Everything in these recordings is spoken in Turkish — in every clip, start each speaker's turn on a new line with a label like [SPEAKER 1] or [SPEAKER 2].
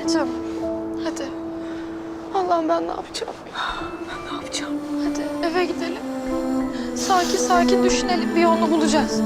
[SPEAKER 1] Anneciğim, hadi. Allah'ım ben ne yapacağım?
[SPEAKER 2] Ben ne yapacağım?
[SPEAKER 1] Hadi eve gidelim. Sakin sakin düşünelim, bir yolunu bulacağız.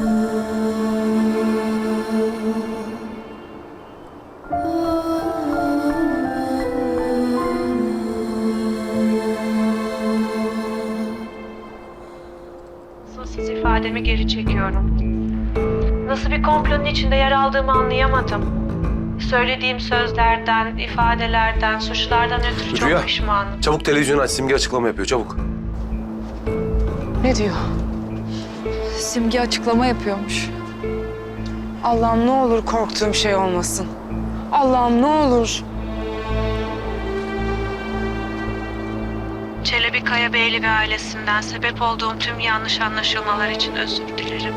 [SPEAKER 3] Siz ifademi geri çekiyorum. Nasıl bir komplonun içinde yer aldığımı anlayamadım. Söylediğim sözlerden, ifadelerden, suçlardan ötürü çok
[SPEAKER 4] Rüya,
[SPEAKER 3] pişmanım.
[SPEAKER 4] çabuk televizyonu aç. Simge açıklama yapıyor. Çabuk.
[SPEAKER 2] Ne diyor?
[SPEAKER 1] Simge açıklama yapıyormuş.
[SPEAKER 2] Allah'ım ne olur korktuğum şey olmasın. Allah'ım ne olur.
[SPEAKER 3] Çelebi Kayabeyli ve ailesinden sebep olduğum tüm yanlış anlaşılmalar için özür dilerim.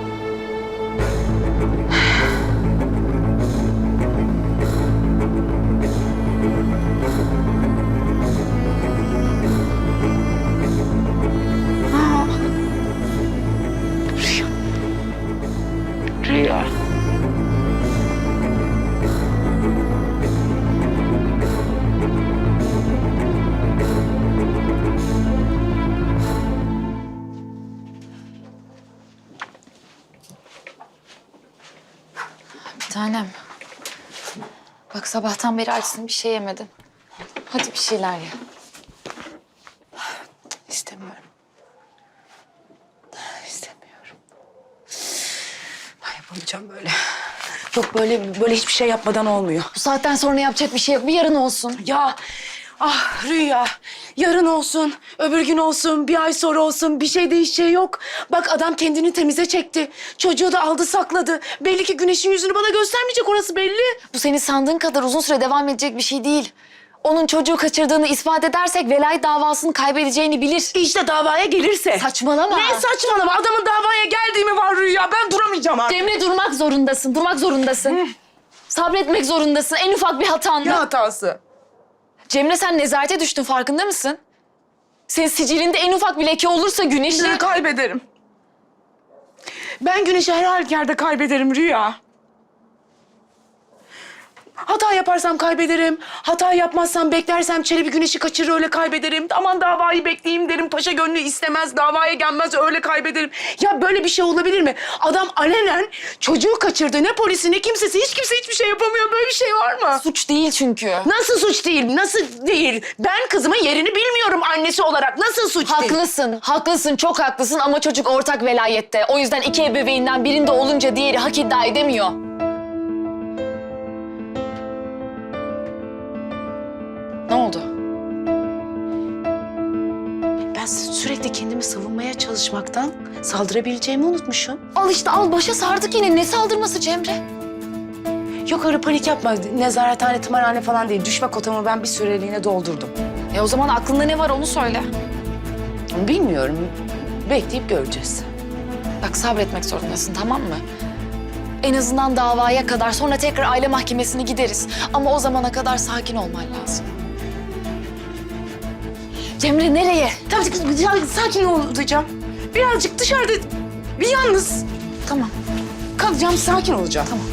[SPEAKER 2] Rüya.
[SPEAKER 1] Bir tanem. Bak sabahtan beri açsın, bir şey yemedin. Hadi bir şeyler ye.
[SPEAKER 2] İstemiyorum. İstemiyorum. Ben yapamayacağım böyle. Yok böyle hiçbir şey yapmadan olmuyor.
[SPEAKER 1] Bu saatten sonra yapacak bir şey yok. Bir yarın olsun.
[SPEAKER 2] Ya Rüya, yarın olsun, öbür gün olsun, bir ay sonra olsun, bir şey değişeceği yok. Bak adam kendini temize çekti. Çocuğu da aldı sakladı. Belli ki güneşin yüzünü bana göstermeyecek, orası belli.
[SPEAKER 1] Bu senin sandığın kadar uzun süre devam edecek bir şey değil. Onun çocuğu kaçırdığını ispat edersek velayet davasını kaybedeceğini bilir.
[SPEAKER 2] İşte davaya gelirse.
[SPEAKER 1] Saçmalama.
[SPEAKER 2] Ne saçmalama? Adamın davaya geldiği mi var Rüya? Ben duramayacağım artık.
[SPEAKER 1] Cemre durmak zorundasın, durmak zorundasın. Sabretmek zorundasın en ufak bir hatanda.
[SPEAKER 2] Ne hatası?
[SPEAKER 1] Cemre sen nezarete düştün, farkında mısın? Senin sicilinde en ufak bir leke olursa Güneş'i...
[SPEAKER 2] Ne kaybederim? Ben Güneş'i her halükarda kaybederim Rüya. Hata yaparsam kaybederim. Hata yapmazsam, beklersem Çelebi Güneş'i kaçırır, öyle kaybederim. Aman davayı bekleyeyim derim. Paşa gönlü istemez, davaya gelmez, öyle kaybederim. Ya böyle bir şey olabilir mi? Adam alenen çocuğu kaçırdı. Ne polisi ne kimsesi, hiç kimse hiçbir şey yapamıyor. Böyle bir şey var mı?
[SPEAKER 1] Suç değil çünkü.
[SPEAKER 2] Nasıl suç değil? Nasıl değil? Ben kızımın yerini bilmiyorum annesi olarak. Nasıl suç değil?
[SPEAKER 1] Haklısın, haklısın, çok haklısın ama çocuk ortak velayette. O yüzden iki ebeveynden birinde olunca diğeri hak iddia edemiyor. Ne oldu?
[SPEAKER 2] Ben sürekli kendimi savunmaya çalışmaktan saldırabileceğimi unutmuşum.
[SPEAKER 1] Al işte al, başa sardık yine. Ne saldırması Cemre?
[SPEAKER 2] Yok öyle panik yapma. Nezarethane, tımarhane falan değil. Düşme kotamı ben bir süreliğine doldurdum.
[SPEAKER 1] O zaman aklında ne var onu söyle.
[SPEAKER 2] Bilmiyorum. Bekleyip göreceğiz.
[SPEAKER 1] Bak sabretmek zorundasın, tamam mı? En azından davaya kadar, sonra tekrar aile mahkemesine gideriz. Ama o zamana kadar sakin olman lazım. Cemre nereye?
[SPEAKER 2] Tabii sakin olacağım. Birazcık dışarıda bir yalnız
[SPEAKER 1] Tamam.
[SPEAKER 2] kalacağım, sakin olacağım.
[SPEAKER 1] Tamam.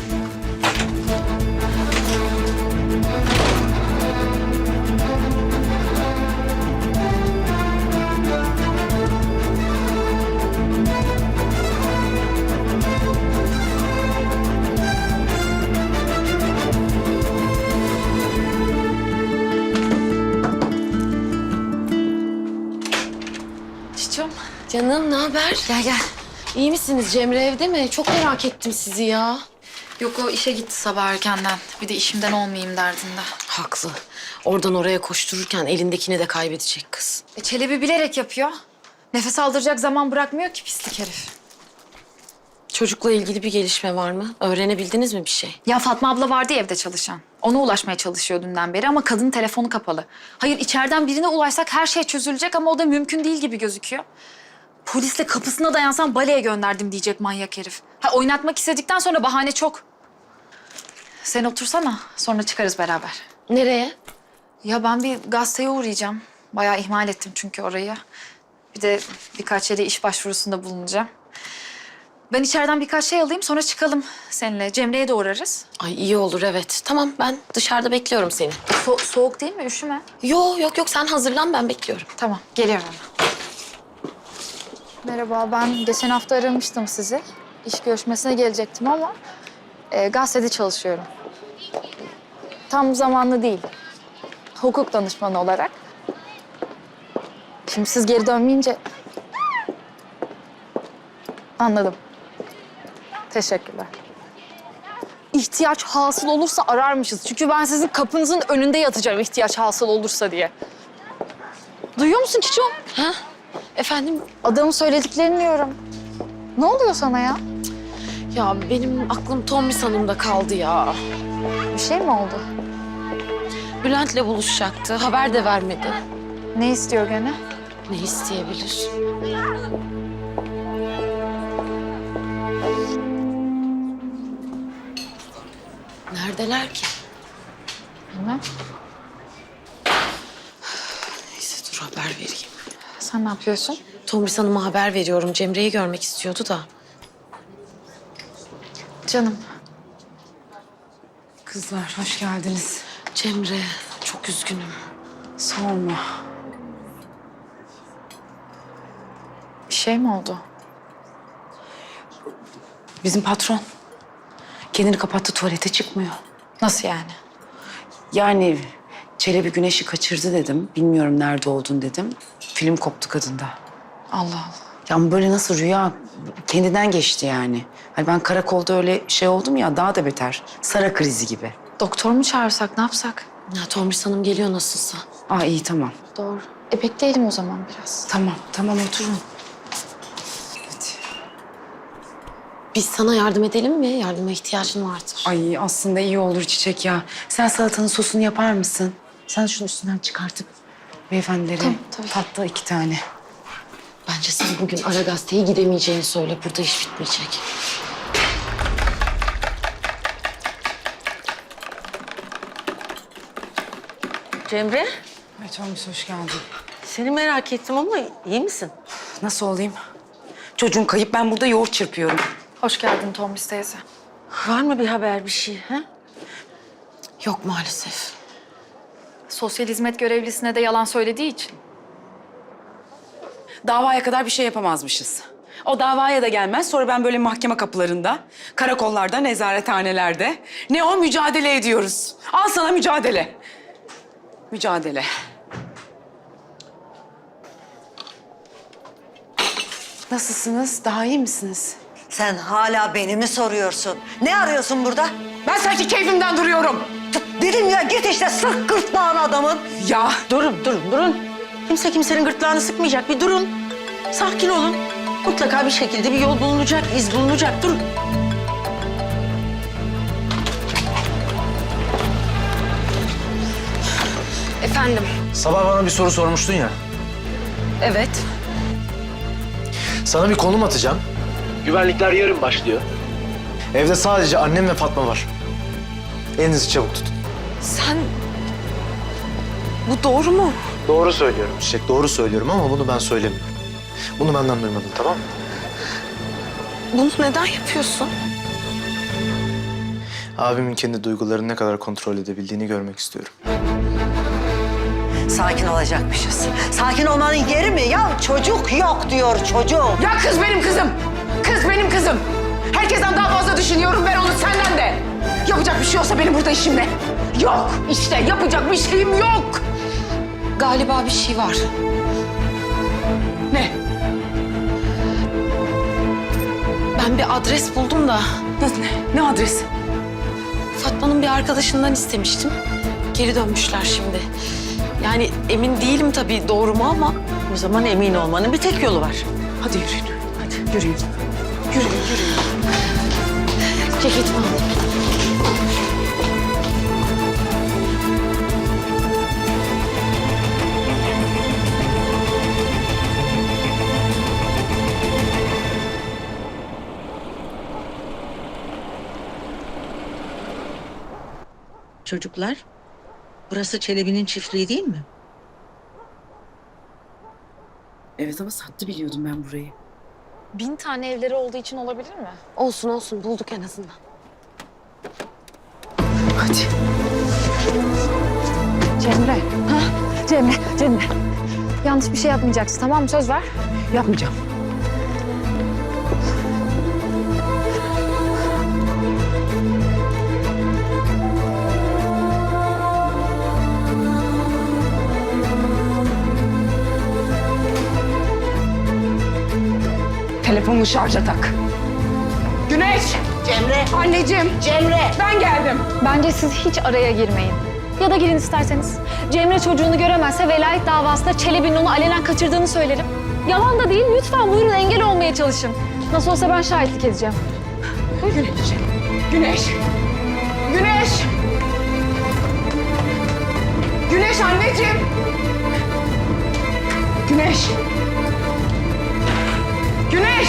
[SPEAKER 1] Çiçeğim.
[SPEAKER 5] Canım ne haber?
[SPEAKER 1] Gel gel.
[SPEAKER 5] İyi misiniz? Cemre evde mi? Çok merak ettim sizi ya.
[SPEAKER 1] Yok o işe gitti sabah erkenden. Bir de işimden olmayayım derdinde.
[SPEAKER 5] Haklı. Oradan oraya koştururken elindekini de kaybedecek kız.
[SPEAKER 1] Çelebi bilerek yapıyor. Nefes aldıracak zaman bırakmıyor ki pislik herif.
[SPEAKER 5] Çocukla ilgili bir gelişme var mı? Öğrenebildiniz mi bir şey?
[SPEAKER 1] Ya Fatma abla vardı ya evde çalışan. Ona ulaşmaya çalışıyor dünden beri ama kadının telefonu kapalı. Hayır içeriden birine ulaşsak her şey çözülecek ama o da mümkün değil gibi gözüküyor. Polisle kapısına dayansam baleye gönderdim diyecek manyak herif. Ha oynatmak istedikten sonra bahane çok. Sen otursana sonra çıkarız beraber.
[SPEAKER 5] Nereye?
[SPEAKER 1] Ya ben bir gazeteye uğrayacağım. Bayağı ihmal ettim çünkü orayı. Bir de birkaç yere iş başvurusunda bulunacağım. Ben içeriden birkaç şey alayım sonra çıkalım seninle. Cemre'ye de uğrarız.
[SPEAKER 5] Ay iyi olur evet. Tamam ben dışarıda bekliyorum seni.
[SPEAKER 1] Soğuk değil mi? Üşüme.
[SPEAKER 5] Yok sen hazırlan ben bekliyorum.
[SPEAKER 1] Tamam, geliyorum hemen. Merhaba, ben geçen hafta aramıştım sizi. İş görüşmesine gelecektim ama gazetede çalışıyorum. Tam zamanlı değil. Hukuk danışmanı olarak. Şimdi siz geri dönmeyince... Anladım. Teşekkürler. İhtiyaç hasıl olursa ararmışız. Çünkü ben sizin kapınızın önünde yatacağım ihtiyaç hasıl olursa diye. Duyuyor musun Çiço?
[SPEAKER 5] Ha? Efendim?
[SPEAKER 1] Adamın söylediklerini diyorum. Ne oluyor sana ya?
[SPEAKER 5] Ya benim aklım Tomris Hanım'da kaldı ya.
[SPEAKER 1] Bir şey mi oldu?
[SPEAKER 5] Bülent'le buluşacaktı. Haber de vermedi.
[SPEAKER 1] Ne istiyor gene?
[SPEAKER 5] Ne isteyebilir? Neredeler ki?
[SPEAKER 1] Bilmem.
[SPEAKER 5] Neyse dur haber vereyim.
[SPEAKER 1] Sen ne yapıyorsun?
[SPEAKER 5] Tomris Hanım'a haber veriyorum. Cemre'yi görmek istiyordu da.
[SPEAKER 1] Canım.
[SPEAKER 2] Kızlar hoş geldiniz.
[SPEAKER 5] Cemre çok üzgünüm.
[SPEAKER 2] Sorma.
[SPEAKER 1] Bir şey mi oldu?
[SPEAKER 2] Bizim patron kendini kapattı, tuvalete çıkmıyor.
[SPEAKER 1] Nasıl yani?
[SPEAKER 2] Yani Çelebi Güneş'i kaçırdı dedim. Bilmiyorum nerede olduğunu dedim. Film koptu kadında.
[SPEAKER 1] Allah Allah.
[SPEAKER 2] Ya böyle nasıl rüya kendinden geçti yani. Hani ben karakolda öyle şey oldum ya, daha da beter. Sara krizi gibi.
[SPEAKER 1] Doktor mu çağırsak, ne yapsak?
[SPEAKER 5] Ya Tomris Hanım geliyor nasılsa.
[SPEAKER 2] Aa iyi tamam.
[SPEAKER 1] Doğru. Bekleyelim o zaman biraz.
[SPEAKER 2] Tamam oturun. Hadi.
[SPEAKER 5] Biz sana yardım edelim mi? Yardıma ihtiyacın vardır.
[SPEAKER 2] Ay aslında iyi olur Çiçek ya. Sen salatanın sosunu yapar mısın? Sen şunu üstünden çıkartıp beyefendilere
[SPEAKER 1] Tamam, tabii.
[SPEAKER 2] tatlı 2 tane.
[SPEAKER 5] Bence sen bugün ara gazeteye gidemeyeceğini söyle. Burada iş bitmeyecek.
[SPEAKER 6] Cemre,
[SPEAKER 2] Evet Tomris hoş geldin.
[SPEAKER 6] seni merak ettim ama iyi misin?
[SPEAKER 2] Nasıl olayım? Çocuğun kayıp, ben burada yoğurt çırpıyorum.
[SPEAKER 1] Hoş geldin Tomris teyze.
[SPEAKER 6] Var mı bir haber, bir şey? Ha?
[SPEAKER 5] Yok maalesef.
[SPEAKER 1] Sosyal hizmet görevlisine de yalan söylediği için.
[SPEAKER 2] Davaya kadar bir şey yapamazmışız. O davaya da gelmez. Sonra ben böyle mahkeme kapılarında, karakollarda, nezarethanelerde ne o mücadele ediyoruz. Al sana mücadele. Mücadele. Nasılsınız? Daha iyi misiniz?
[SPEAKER 7] Sen hala beni mi soruyorsun? Ne arıyorsun burada?
[SPEAKER 2] Ben sanki keyfimden duruyorum.
[SPEAKER 7] Dedim ya git işte sık gırtlağın adamın.
[SPEAKER 2] Ya
[SPEAKER 6] Durun. Kimse kimsenin gırtlağını sıkmayacak. Bir durun. Sakin olun. Mutlaka bir şekilde bir yol bulunacak, iz bulunacak. Durun.
[SPEAKER 5] Efendim?
[SPEAKER 4] Sabah bana bir soru sormuştun ya.
[SPEAKER 5] Evet.
[SPEAKER 4] Sana bir konum atacağım. Güvenlikler yarın başlıyor. Evde sadece annem ve Fatma var. Elinizi çabuk tutun.
[SPEAKER 5] Sen... Bu doğru mu?
[SPEAKER 4] Doğru söylüyorum Çiçek, doğru söylüyorum ama bunu ben söylemiyorum. Bunu benden duymadın, tamam mı?
[SPEAKER 5] Bunu neden yapıyorsun?
[SPEAKER 4] Abimin kendi duygularını ne kadar kontrol edebildiğini görmek istiyorum.
[SPEAKER 7] Sakin olacakmışız. Sakin olmanın yeri mi? Ya çocuk yok diyor çocuk.
[SPEAKER 2] Ya kız benim kızım. Kız benim kızım. Herkesten daha fazla düşünüyorum ben onu, senden de. Yapacak bir şey olsa benim burada işim ne? Yok işte, yapacak bir şeyim yok.
[SPEAKER 5] Galiba bir şey var.
[SPEAKER 2] Ne?
[SPEAKER 5] Ben bir adres buldum da
[SPEAKER 2] Nasıl, ne adresi?
[SPEAKER 5] Fatma'nın bir arkadaşından istemiştim. Geri dönmüşler şimdi. Yani emin değilim tabii doğru mu ama...
[SPEAKER 6] O zaman emin olmanın bir tek yolu var.
[SPEAKER 2] Hadi yürüyün. Hadi yürüyün. Yürüyün.
[SPEAKER 5] Ceketimi alayım.
[SPEAKER 7] Çocuklar, burası Çelebi'nin çiftliği değil mi?
[SPEAKER 2] Evet ama sattı biliyordum ben burayı.
[SPEAKER 1] 1000 tane evleri olduğu için olabilir mi?
[SPEAKER 5] Olsun olsun bulduk en azından.
[SPEAKER 2] Hadi.
[SPEAKER 1] Cemre. Ha? Cemre. Yanlış bir şey yapmayacaksın, tamam mı? Söz ver.
[SPEAKER 2] Yapmayacağım. Telefonunu şarja tak. Güneş!
[SPEAKER 7] Cemre,
[SPEAKER 2] Anneciğim!
[SPEAKER 7] Cemre.
[SPEAKER 2] Ben geldim.
[SPEAKER 1] Bence siz hiç araya girmeyin. Ya da girin isterseniz. Cemre çocuğunu göremezse velayet davasında Çelebi'nin onu alenen kaçırdığını söylerim. Yalan da değil, lütfen buyurun engel olmaya çalışın. Nasıl olsa ben şahitlik edeceğim.
[SPEAKER 2] Güneş! Güneş! Güneş! Güneş anneciğim! Güneş! Güneş!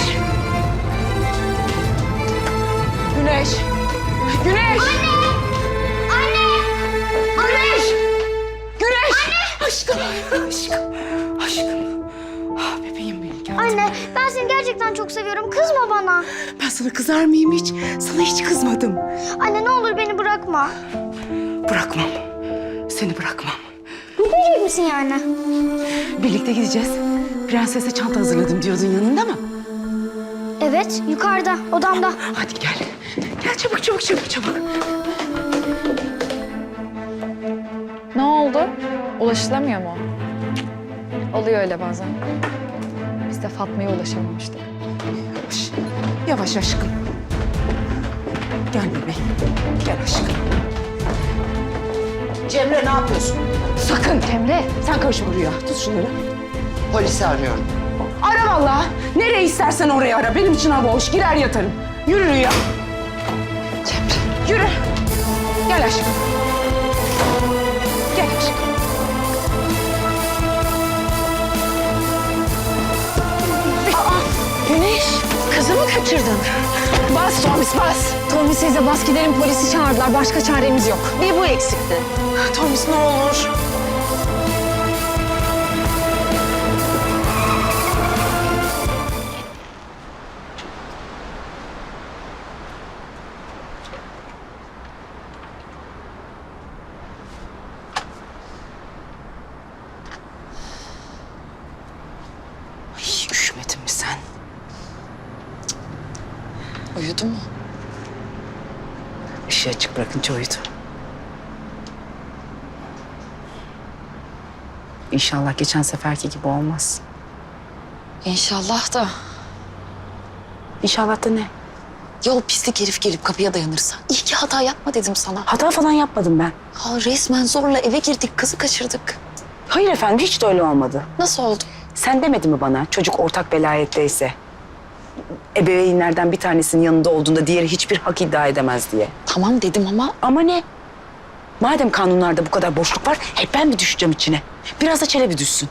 [SPEAKER 2] Güneş! Güneş! Anne! Güneş! Güneş! Aşkım! Aşkım! Ah bebeğim benim geldim.
[SPEAKER 8] Anne, ben seni gerçekten çok seviyorum. Kızma bana.
[SPEAKER 2] Ben sana kızar mıyım hiç? Sana hiç kızmadım.
[SPEAKER 8] Anne ne olur beni bırakma.
[SPEAKER 2] Bırakmam. Seni bırakmam.
[SPEAKER 8] Gitmeyecek misin yani?
[SPEAKER 2] Birlikte gideceğiz. Prensese çanta hazırladım diyordun, yanında mı?
[SPEAKER 8] Evet, yukarıda, odamda.
[SPEAKER 2] Hadi gel. Gel çabuk.
[SPEAKER 1] Ne oldu? Ulaşılamıyor mu? Oluyor öyle bazen. Biz de Fatma'ya ulaşamamıştık.
[SPEAKER 2] Yavaş aşkım. Gel bebeğim. Gel aşkım.
[SPEAKER 7] Cemre ne yapıyorsun?
[SPEAKER 2] Sakın.
[SPEAKER 1] Cemre.
[SPEAKER 2] Sen karışma buraya. Tut şunları.
[SPEAKER 7] Polisi arıyorum.
[SPEAKER 2] Ara vallahi. Nereye istersen oraya ara. Benim için hava hoş. Girer yatarım. Yürü Rüya. Cemre. Yürü. Gel aşkım. Gel aşkım.
[SPEAKER 5] Güneş, kızı mı kaçırdın?
[SPEAKER 2] Bas Tomis bas.
[SPEAKER 1] Tommy size bas gidelim, polisi çağırdılar. Başka çaremiz yok.
[SPEAKER 5] Bir bu eksikti.
[SPEAKER 2] Tomis ne olur. Ay, üşümedin mi sen?
[SPEAKER 5] Uyudu mu?
[SPEAKER 2] Işığı açık bırakınca uyudu. İnşallah geçen seferki gibi olmaz.
[SPEAKER 5] İnşallah da.
[SPEAKER 2] İnşallah da ne?
[SPEAKER 5] Ya o pislik herif gelip kapıya dayanırsa. İyi ki hata yapma dedim sana.
[SPEAKER 2] Hata falan yapmadım ben.
[SPEAKER 5] Ha, resmen zorla eve girdik, kızı kaçırdık.
[SPEAKER 2] Hayır efendim, hiç de öyle olmadı.
[SPEAKER 5] Nasıl oldu?
[SPEAKER 2] Sen demedin mi bana çocuk ortak velayetteyse? Ebeveynlerden bir tanesinin yanında olduğunda diğeri hiçbir hak iddia edemez diye.
[SPEAKER 5] Tamam dedim ama
[SPEAKER 2] Ama ne? Madem kanunlarda bu kadar boşluk var, hep ben mi düşeceğim içine? Biraz da Çelebi düşsün.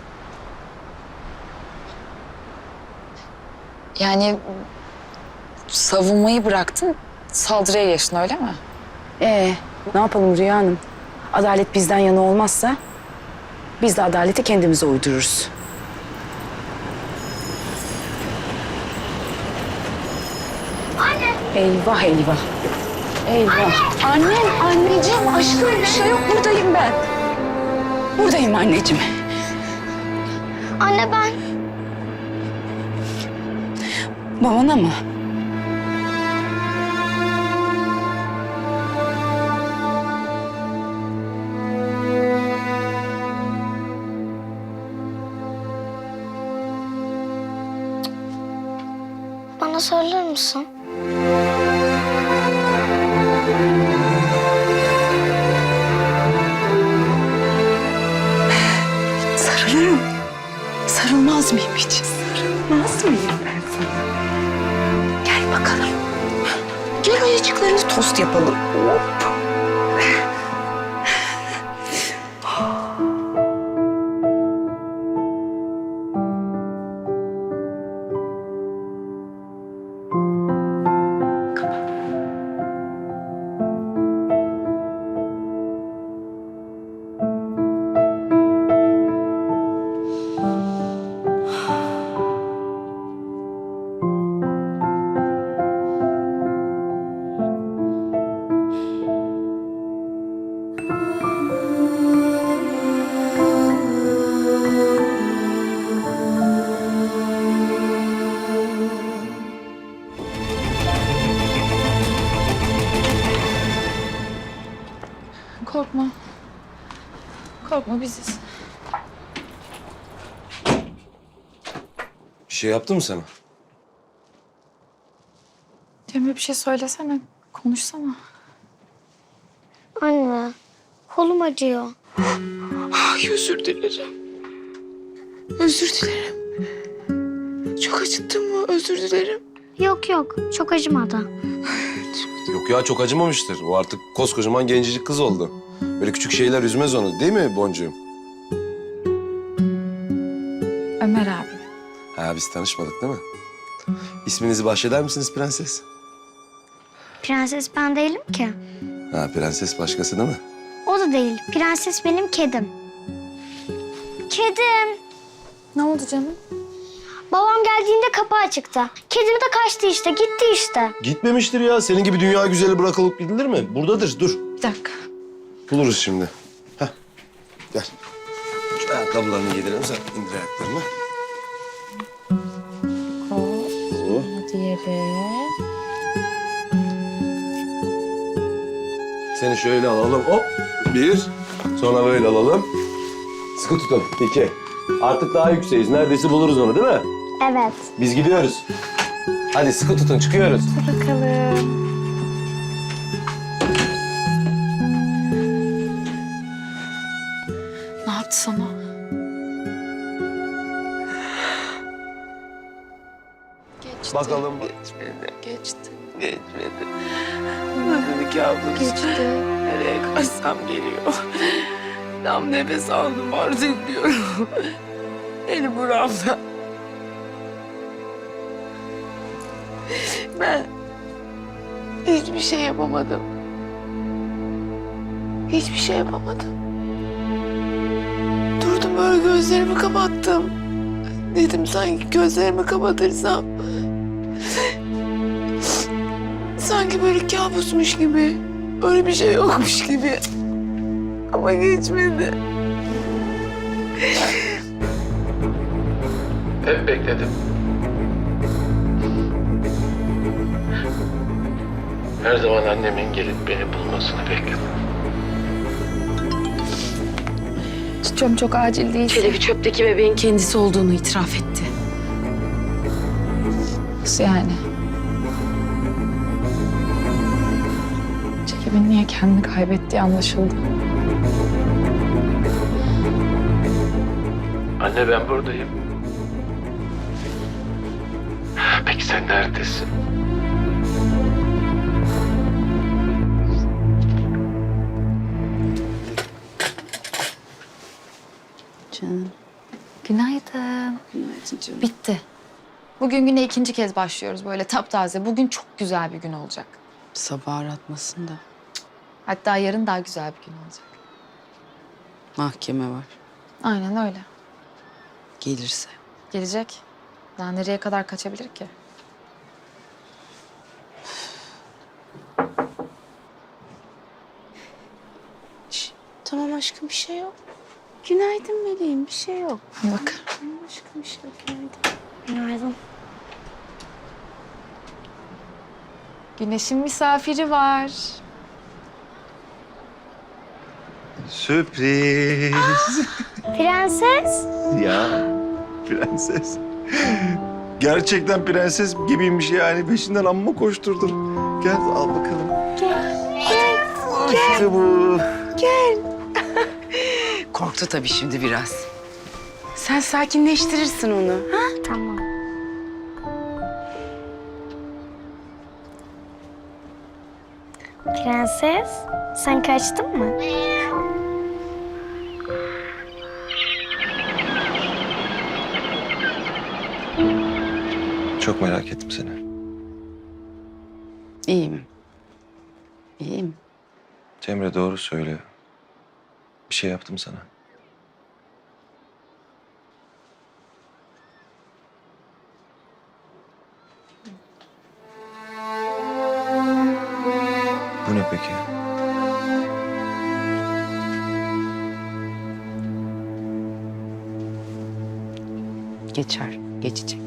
[SPEAKER 5] yani savunmayı bıraktın, saldırıya geçtin öyle mi?
[SPEAKER 2] Ne yapalım Rüya Hanım? Adalet bizden yana olmazsa biz de adaleti kendimize uydururuz.
[SPEAKER 8] Anne,
[SPEAKER 2] Eyvah eyvah. Eyvah. Annem, anneciğim, aşkım bir şey yok. Buradayım ben. Buradayım anneciğim.
[SPEAKER 8] anne ben.
[SPEAKER 2] Babana mı?
[SPEAKER 8] Bana söyler misin?
[SPEAKER 2] Sarılırım. Sarılmaz mıyım hiç? Sarılmaz mıyım ben sana? Gel bakalım. Gel ayıcıklarını tost yapalım. Hop.
[SPEAKER 1] korkma. Korkma biziz.
[SPEAKER 9] Bir şey yaptı mı sana?
[SPEAKER 1] Cemre bir şey söylesene. Konuşsana.
[SPEAKER 8] Anne, kolum acıyor.
[SPEAKER 2] Ay özür dilerim. Özür dilerim. Çok acıttın mı? Özür dilerim.
[SPEAKER 8] Yok yok, çok acımadı.
[SPEAKER 9] Yok ya, çok acımamıştır. O artık koskocaman gencecik kız oldu. Böyle küçük şeyler üzmez onu, değil mi Boncuğum?
[SPEAKER 1] Ömer abi.
[SPEAKER 9] Ha, biz tanışmadık değil mi? İsminizi bahşeder misiniz prenses?
[SPEAKER 8] Prenses ben değilim ki.
[SPEAKER 9] Ha, prenses başkası değil mi?
[SPEAKER 8] O da değil. Prenses benim kedim. Kedim.
[SPEAKER 1] Ne oldu canım?
[SPEAKER 8] Babam geldiğinde kapı açıktı. Kedim de kaçtı işte, gitti işte.
[SPEAKER 9] Gitmemiştir ya. Senin gibi dünya güzeli bırakılıp gidilir mi? Buradadır, dur.
[SPEAKER 1] Bir dakika.
[SPEAKER 9] Buluruz şimdi. Heh, gel. Şu ayakkabılarını giydirelim, sen indir ayaklarını. Bu.
[SPEAKER 1] Diğeri.
[SPEAKER 9] Seni şöyle alalım, hop. Bir. Sonra böyle alalım. Sıkı tutun, iki. Artık daha yükseğiz. Neredeyse buluruz onu, değil mi?
[SPEAKER 8] Evet.
[SPEAKER 9] Biz gidiyoruz. Hadi sıkı tutun, çıkıyoruz.
[SPEAKER 1] Bakalım. Ne yaptı sana? Geçti.
[SPEAKER 9] Bakalım.
[SPEAKER 2] Geçti. Geçmedi. Nasıl bir kabus?
[SPEAKER 8] Geçti.
[SPEAKER 2] Nereye kaçsam geliyor. Tam nefes aldım artık diyorum. Eli buramda. Ben hiçbir şey yapamadım. Hiçbir şey yapamadım. Durdum böyle gözlerimi kapattım. Dedim sanki gözlerimi kapatırsam sanki böyle kabusmuş gibi, öyle bir şey yokmuş gibi. Ama geçmedi.
[SPEAKER 10] Hep bekledim. Her zaman annemin gelip beni bulmasını bekledim.
[SPEAKER 1] Çiçeğim çok acil değil.
[SPEAKER 5] Çelebi çöpteki bebeğin kendisi olduğunu itiraf etti.
[SPEAKER 1] Nasıl yani? Çelebi'nin niye kendini kaybettiği anlaşıldı.
[SPEAKER 10] Anne, ben buradayım. Peki sen neredesin?
[SPEAKER 5] Canım.
[SPEAKER 1] Günaydın.
[SPEAKER 5] Günaydın canım.
[SPEAKER 1] Bitti. Bugün güne ikinci kez başlıyoruz böyle taptaze. Bugün çok güzel bir gün olacak.
[SPEAKER 5] Sabah aratmasın da.
[SPEAKER 1] Hatta yarın daha güzel bir gün olacak.
[SPEAKER 5] Mahkeme var.
[SPEAKER 1] Aynen öyle.
[SPEAKER 5] Gelirse.
[SPEAKER 1] Gelecek. Daha nereye kadar kaçabilir ki?
[SPEAKER 5] Tamam aşkım, bir şey yok. Günaydın meleğim, bir şey yok.
[SPEAKER 1] Bak.
[SPEAKER 5] Tamam aşkım, bir şey yok. Günaydın.
[SPEAKER 8] Günaydın.
[SPEAKER 1] Güneş'in misafiri var.
[SPEAKER 11] Sürpriz.
[SPEAKER 8] Prenses.
[SPEAKER 11] Ya prenses. Gerçekten prenses gibiymiş yani. Peşinden amma koşturdum. Gel al bakalım.
[SPEAKER 8] Gel.
[SPEAKER 11] İşte bu.
[SPEAKER 2] Korktu tabii şimdi biraz. Sen sakinleştirirsin onu. Ha?
[SPEAKER 8] Tamam. Prenses, sen kaçtın mı?
[SPEAKER 9] Çok merak ettim seni.
[SPEAKER 5] İyiyim. İyiyim.
[SPEAKER 9] Cemre doğru söylüyor. Bir şey yaptım sana. Bu ne peki?
[SPEAKER 5] Geçer, geçecek.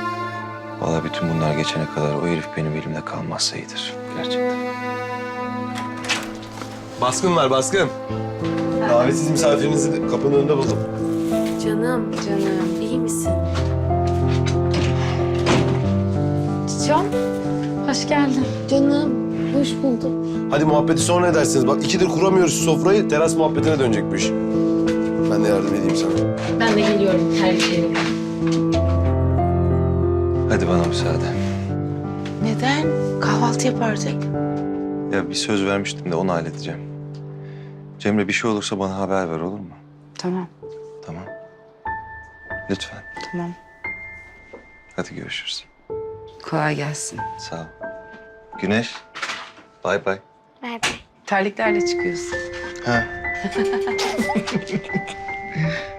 [SPEAKER 9] Vallahi bütün bunlar geçene kadar o herif benim elimde kalmazsa iyidir. Gerçekten. Baskın var, baskın. Davetsiz misafirinizi de kapının önünde buldum.
[SPEAKER 5] Canım, iyi misin?
[SPEAKER 1] Can, hoş geldin.
[SPEAKER 5] Canım, hoş bulduk.
[SPEAKER 9] Hadi muhabbeti sonra edersiniz. Bak 2'dir kuramıyoruz şu sofrayı. Teras muhabbetine dönecek bu iş. Ben de yardım edeyim sana.
[SPEAKER 5] Ben de geliyorum terliklerim.
[SPEAKER 11] Hadi bana müsaade.
[SPEAKER 2] Neden? Kahvaltı yapardık.
[SPEAKER 11] Ya bir söz vermiştim de onu halledeceğim. Cemre bir şey olursa bana haber ver olur mu?
[SPEAKER 2] Tamam,
[SPEAKER 11] Tamam. Lütfen.
[SPEAKER 2] tamam.
[SPEAKER 11] Hadi görüşürüz.
[SPEAKER 2] Kolay gelsin.
[SPEAKER 11] Sağ ol. Güneş. Bay bay.
[SPEAKER 8] Bay bay.
[SPEAKER 2] Terliklerle çıkıyorsun.
[SPEAKER 11] Ha.